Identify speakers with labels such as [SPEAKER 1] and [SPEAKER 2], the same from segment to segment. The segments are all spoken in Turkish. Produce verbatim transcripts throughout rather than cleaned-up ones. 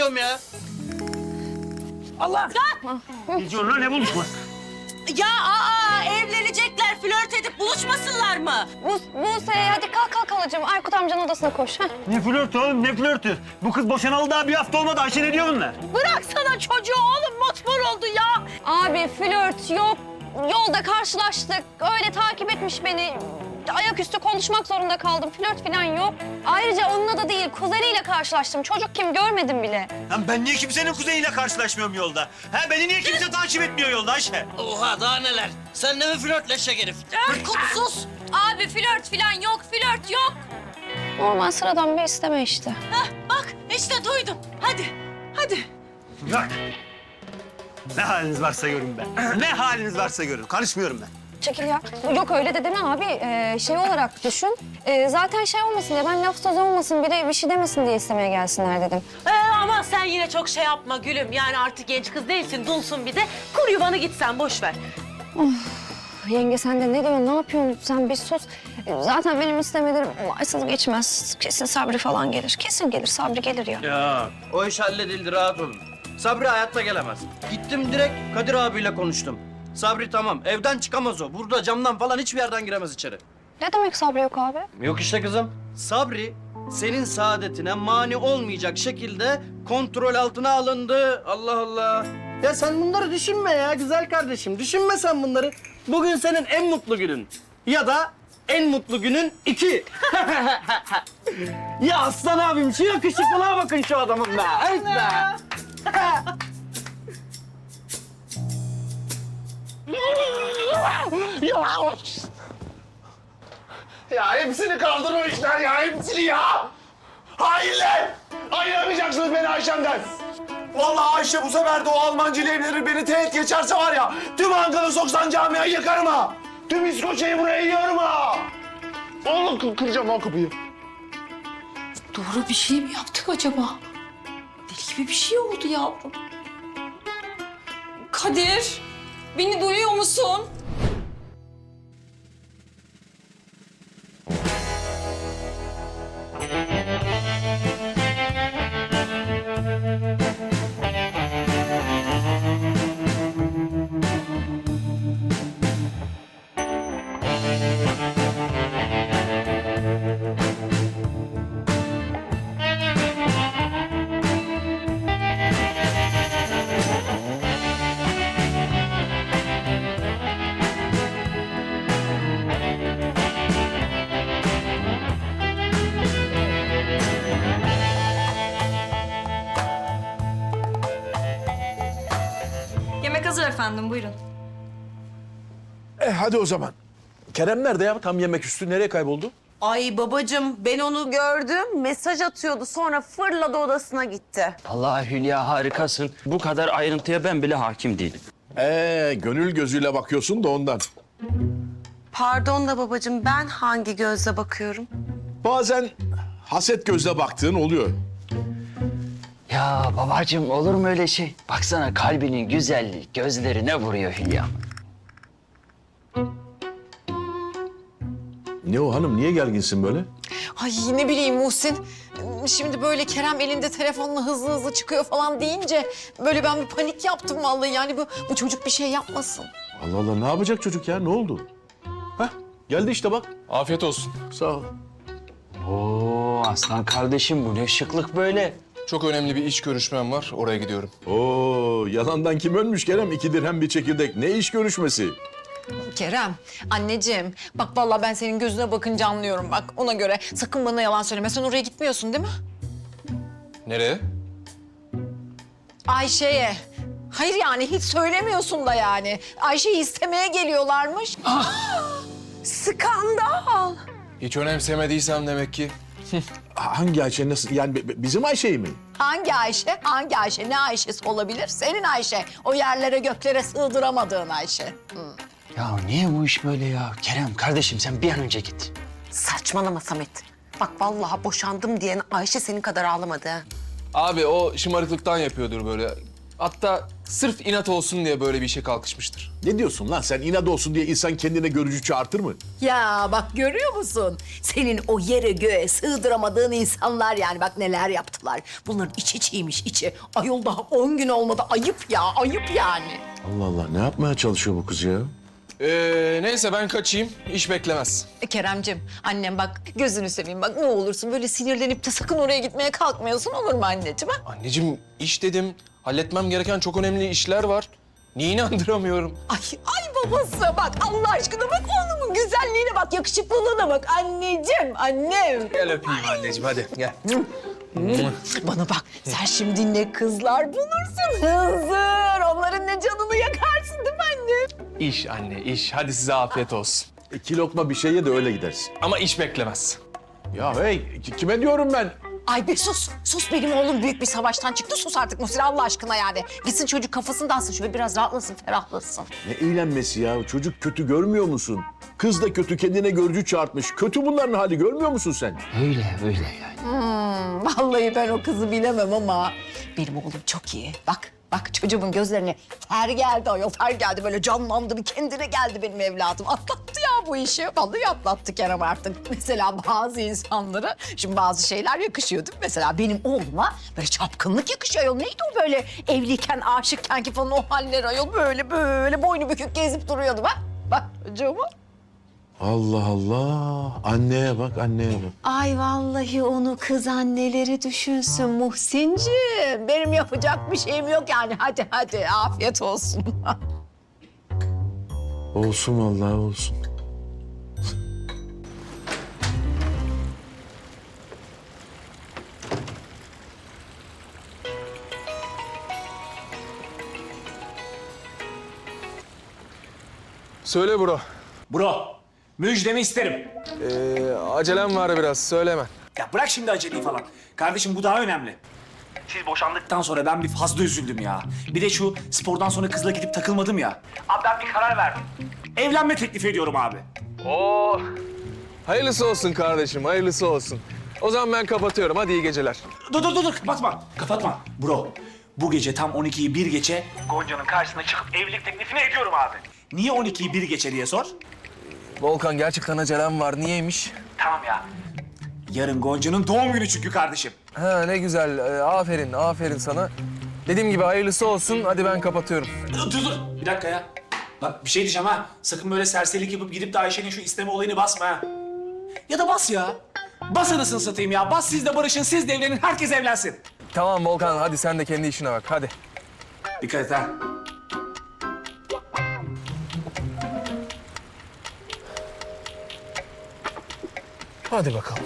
[SPEAKER 1] diyorum ya.
[SPEAKER 2] Allah!
[SPEAKER 3] Ne diyorsun lan, ne buluşması?
[SPEAKER 4] Ya aa, evlenecekler, flört edip buluşmasınlar mı?
[SPEAKER 5] Bu, Buse hadi kalk kalk halacığım. Aykut amcanın odasına koş. Heh.
[SPEAKER 3] Ne flörtü oğlum, ne flörtü? Bu kız boşanalı daha bir hafta olmadı. Ayşe ne diyor bunlar?
[SPEAKER 4] Bıraksana çocuğu oğlum, mosmor oldu ya.
[SPEAKER 5] Abi flört yok. Yolda karşılaştık. Öyle takip etmiş beni. Ayaküstü konuşmak zorunda kaldım. Flört falan yok. Ayrıca onunla da değil, kuzeniyle karşılaştım. Çocuk kim görmedim bile.
[SPEAKER 3] Lan ben niye kimsenin kuzeyiyle karşılaşmıyorum yolda? Ha, beni niye kimse takip etmiyor yolda Ayşe?
[SPEAKER 1] Oha daha neler. Sen ne mi flörtleşecek herif?
[SPEAKER 4] Aykut sus. Abi flört falan yok, flört yok.
[SPEAKER 5] Normal sıradan bir isteme işte.
[SPEAKER 4] Hah, bak işte duydum. Hadi, hadi.
[SPEAKER 3] Bırak. Ne haliniz varsa görün be. Ne haliniz varsa görün. Karışmıyorum ben.
[SPEAKER 5] Çekil ya. Yok öyle de deme abi. Ee, şey olarak düşün. Ee, zaten şey olmasın diye, ben laf söz olmasın, biri bir şey demesin diye istemeye gelsinler dedim.
[SPEAKER 4] Ee, ama sen yine çok şey yapma gülüm. Yani artık genç kız değilsin, dulsun bir de. Kur yuvanı git sen, boş ver.
[SPEAKER 5] Yenge sen de ne diyorsun, ne yapıyorsun sen, bir sus. Ee, Zaten benim istemelerim varsız geçmez. Kesin Sabri falan gelir. Kesin gelir, Sabri gelir ya.
[SPEAKER 1] Ya o iş halledildi, rahat olun. Sabri hayatta gelemez. Gittim direkt Kadir abiyle konuştum. Sabri tamam, evden çıkamaz o. Burada camdan falan hiçbir yerden giremez içeri.
[SPEAKER 5] Ne demek Sabri yok abi?
[SPEAKER 1] Yok işte kızım. Sabri senin saadetine mani olmayacak şekilde kontrol altına alındı. Allah Allah. Ya sen bunları düşünme ya güzel kardeşim. Düşünme sen bunları. Bugün senin en mutlu günün. Ya da en mutlu günün iki. Ya aslan abim şu yakışıklılığa bakın şu adamın be. Evet be.
[SPEAKER 2] Ya! Ya hepsini kaldırmışlar ya, hepsini ya! Hainler! Ayıramayacaksınız beni Ayşem'den. Vallahi Ayşe bu sefer de o Almancıyla evlenir, beni teğet geçerse var ya... ...tüm Ankara soksan camiayı yıkarım ha! Tüm İskoçya'yı buraya yiyorum ha! Oğlum kır kıracağım o kapıyı.
[SPEAKER 6] Doğru bir şey mi yaptık acaba? Deli gibi bir şey oldu yavrum. Kadir, beni duyuyor musun?
[SPEAKER 7] Yemek hazır efendim, buyurun.
[SPEAKER 2] E hadi o zaman. Kerem nerede ya? Tam yemek üstü. Nereye kayboldu?
[SPEAKER 8] Ay babacığım ben onu gördüm. Mesaj atıyordu sonra fırladı odasına gitti.
[SPEAKER 9] Vallahi Hülya harikasın. Bu kadar ayrıntıya ben bile hakim değilim.
[SPEAKER 2] Ee, gönül gözüyle bakıyorsun da ondan.
[SPEAKER 8] Pardon da babacığım ben hangi gözle bakıyorum?
[SPEAKER 2] Bazen haset gözle baktığın oluyor.
[SPEAKER 9] Ya babacığım olur mu öyle şey? Baksana kalbinin güzelliği gözlerine vuruyor Hülya.
[SPEAKER 2] Ne o hanım? Niye gerginsin böyle?
[SPEAKER 6] Ay ne bileyim Muhsin. Şimdi böyle Kerem elinde telefonla hızlı hızlı çıkıyor falan deyince... ...böyle ben bir panik yaptım vallahi. Yani bu, bu çocuk bir şey yapmasın.
[SPEAKER 2] Allah Allah, ne yapacak çocuk ya? Ne oldu? Hah, geldi işte bak.
[SPEAKER 10] Afiyet olsun.
[SPEAKER 2] Sağ ol.
[SPEAKER 9] Oo aslan kardeşim bu ne şıklık böyle.
[SPEAKER 10] Çok önemli bir iş görüşmem var. Oraya gidiyorum.
[SPEAKER 2] Oo, yalandan kim ölmüş Kerem? İki dirhem bir çekirdek. Ne iş görüşmesi?
[SPEAKER 6] Kerem, anneciğim bak vallahi ben senin gözüne bakınca anlıyorum bak ona göre. Sakın bana yalan söyleme. Sen oraya gitmiyorsun değil mi?
[SPEAKER 10] Nereye?
[SPEAKER 6] Ayşe'ye. Hayır yani hiç söylemiyorsun da yani. Ayşe'yi istemeye geliyorlarmış.
[SPEAKER 8] Skandal.
[SPEAKER 10] Hiç önemsemediysem demek ki.
[SPEAKER 2] Hangi Ayşe, nasıl? Yani bi- bi- bizim Ayşe'yi mi?
[SPEAKER 6] Hangi Ayşe? Hangi Ayşe? Ne Ayşe'si olabilir? Senin Ayşe. O yerlere göklere sığdıramadığın Ayşe. Hı.
[SPEAKER 9] Ya niye bu iş böyle ya? Kerem kardeşim sen bir an önce git.
[SPEAKER 8] Saçmalama Samet. Bak vallahi boşandım diyen Ayşe senin kadar ağlamadı ha.
[SPEAKER 10] Abi o şımarıklıktan yapıyordur böyle. Hatta sırf inat olsun diye böyle bir işe kalkışmıştır.
[SPEAKER 2] Ne diyorsun lan sen? İnat olsun diye insan kendine görücü çağırtır mı?
[SPEAKER 11] Ya bak görüyor musun? Senin o yere göğe sığdıramadığın insanlar yani bak neler yaptılar. Bunların içi çiğmiş içi. Ayol daha on gün olmadı. Ayıp ya, ayıp yani.
[SPEAKER 2] Allah Allah, ne yapmaya çalışıyor bu kız ya?
[SPEAKER 10] Ee, neyse ben kaçayım. İş beklemez.
[SPEAKER 6] E, Keremcim, annem bak gözünü seveyim bak ne olursun böyle sinirlenip de sakın oraya gitmeye kalkmıyorsun olur mu anneciğim? Ha?
[SPEAKER 10] Anneciğim iş dedim. Halletmem gereken çok önemli işler var. Niye inandıramıyorum?
[SPEAKER 11] Ay, ay babası bak Allah aşkına bak oğlumun güzelliğine bak, yakışıklılığına bak. Anneciğim, annem.
[SPEAKER 10] Gel öpeyim anneciğim hadi gel.
[SPEAKER 11] Bana bak sen şimdi ne kızlar bulursun hızır. Onların ne canını yakarsın değil mi annem?
[SPEAKER 10] İş anne iş. Hadi size afiyet olsun.
[SPEAKER 2] İki lokma bir şey ye de öyle gidersin.
[SPEAKER 10] Ama iş beklemez.
[SPEAKER 2] Ya hey, ki- kime diyorum ben?
[SPEAKER 6] Ay be sus, sus benim oğlum büyük bir savaştan çıktı sus artık Muhsin Allah aşkına yani. Gitsin çocuk kafasını dağıtsın şöyle biraz rahatlasın, ferahlasın.
[SPEAKER 2] Ne eğlenmesi ya? Çocuk kötü görmüyor musun? Kız da kötü, kendine görücü çağırtmış. Kötü bunların hali, görmüyor musun sen?
[SPEAKER 9] Öyle öyle yani.
[SPEAKER 11] Hmm, vallahi ben o kızı bilemem ama benim oğlum çok iyi. Bak, bak çocuğumun gözlerine ter geldi ayol, ter geldi. Böyle canlandı, bir kendine geldi benim evladım. Atlattı ya bu işi. Vallahi atlattı Kerem artık. Mesela bazı insanlara şimdi bazı şeyler yakışıyor değil mi? Mesela benim oğluma böyle çapkınlık yakışıyor ayol. Neydi o böyle evliyken, aşıkken ki falan o haller ayol. Böyle böyle boynu bükük gezip duruyordu bak. Bak çocuğuma.
[SPEAKER 2] Allah Allah. Anneye bak, anneye bak.
[SPEAKER 11] Ay vallahi onu kız anneleri düşünsün Muhsinciğim. Benim yapacak bir şeyim yok yani. Hadi hadi afiyet olsun.
[SPEAKER 2] Olsun vallahi olsun.
[SPEAKER 10] Söyle bro.
[SPEAKER 12] Bro, müjdemi isterim.
[SPEAKER 10] Ee, acelem var biraz söyleme.
[SPEAKER 12] Ya bırak şimdi aceleyi falan. Kardeşim bu daha önemli. Siz boşandıktan sonra ben bir fazla üzüldüm ya. Bir de şu spordan sonra kızla gidip takılmadım ya. Abi ben bir karar verdim. Evlenme teklif ediyorum abi.
[SPEAKER 10] Oo. Hayırlısı olsun kardeşim hayırlısı olsun. O zaman ben kapatıyorum hadi iyi geceler.
[SPEAKER 12] Dur dur dur dur kapatma. Kapatma. Bro, bu gece tam on ikiyi bir geçe Gonca'nın karşısına çıkıp evlilik teklifini ediyorum abi. Niye on ikiyi bir geçe diye sor.
[SPEAKER 10] Volkan gerçekten acelem var niyeymiş?
[SPEAKER 12] Tamam ya. Yarın Gonca'nın doğum günü çünkü kardeşim.
[SPEAKER 10] Ha ne güzel ee, aferin aferin sana. Dediğim gibi hayırlısı olsun hadi ben kapatıyorum.
[SPEAKER 12] Dur dur dur. Bir dakika ya. Bak bir şey diyeceğim ha. Sakın böyle serserilik yapıp gidip de Ayşe'nin şu isteme olayını basma ha. Ya da bas ya. Bas anasını satayım ya. Bas siz de barışın, siz de evlenin, herkes evlensin.
[SPEAKER 10] Tamam Volkan hadi sen de kendi işine bak hadi.
[SPEAKER 12] Dikkat et ha.
[SPEAKER 10] Hadi bakalım.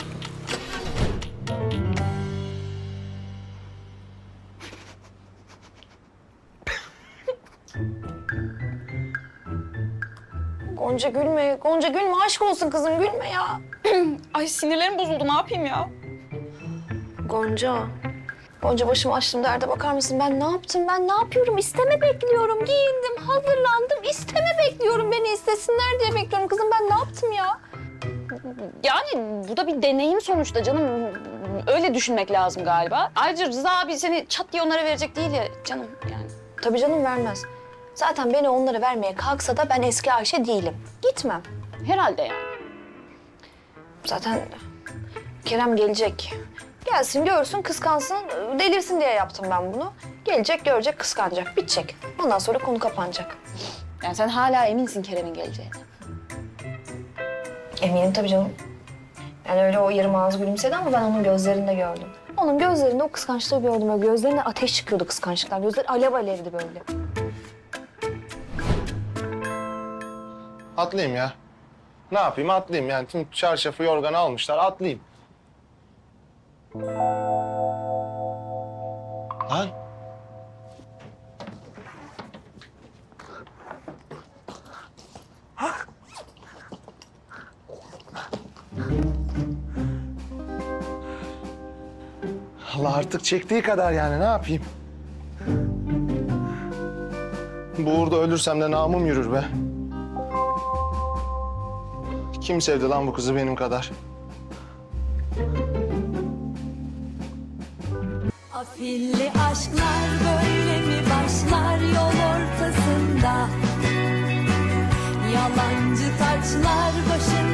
[SPEAKER 5] Gonca gülme, Gonca gülme. Aşk olsun kızım gülme ya.
[SPEAKER 7] Ay sinirlerim bozuldu ne yapayım ya?
[SPEAKER 5] Gonca. Gonca başımı açtım derde bakar mısın? Ben ne yaptım? Ben ne yapıyorum? İsteme bekliyorum. Giyindim, hazırlandım. İsteme bekliyorum. Beni istesinler diye bekliyorum. Kızım ben ne yaptım ya? Yani bu da bir deneyim sonuçta canım. Öyle düşünmek lazım galiba. Ayrıca Rıza abi seni çat diye onlara verecek değil ya canım yani. Tabii canım vermez. Zaten beni onlara vermeye kalksa da ben eski Ayşe değilim. Gitmem. Herhalde yani. Zaten Kerem gelecek. Gelsin, görsün, kıskansın, delirsin diye yaptım ben bunu. Gelecek, görecek, kıskanacak, bitecek. Ondan sonra konu kapanacak. Yani sen hala eminsin Kerem'in geleceğine. Eminim tabii canım. Yani öyle o yarım ağız gülümsedi ama ben onun gözlerinde gördüm. Onun gözlerinde o kıskançlığı gördüm. Öyle gözlerine ateş çıkıyordu kıskançlıktan. Gözleri alev alevdi böyle.
[SPEAKER 2] Atlayayım ya. Ne yapayım? Atlayayım yani. Tüm çarşafı, yorganı almışlar. Atlayayım. Lan. Allah artık çektiği kadar yani ne yapayım? Bu uğurda ölürsem de namım yürür be. Kim sevdi lan bu kızı benim kadar?
[SPEAKER 13] Afilli aşklar böyle mi başlar yol ortasında? Yalancı taçlar başına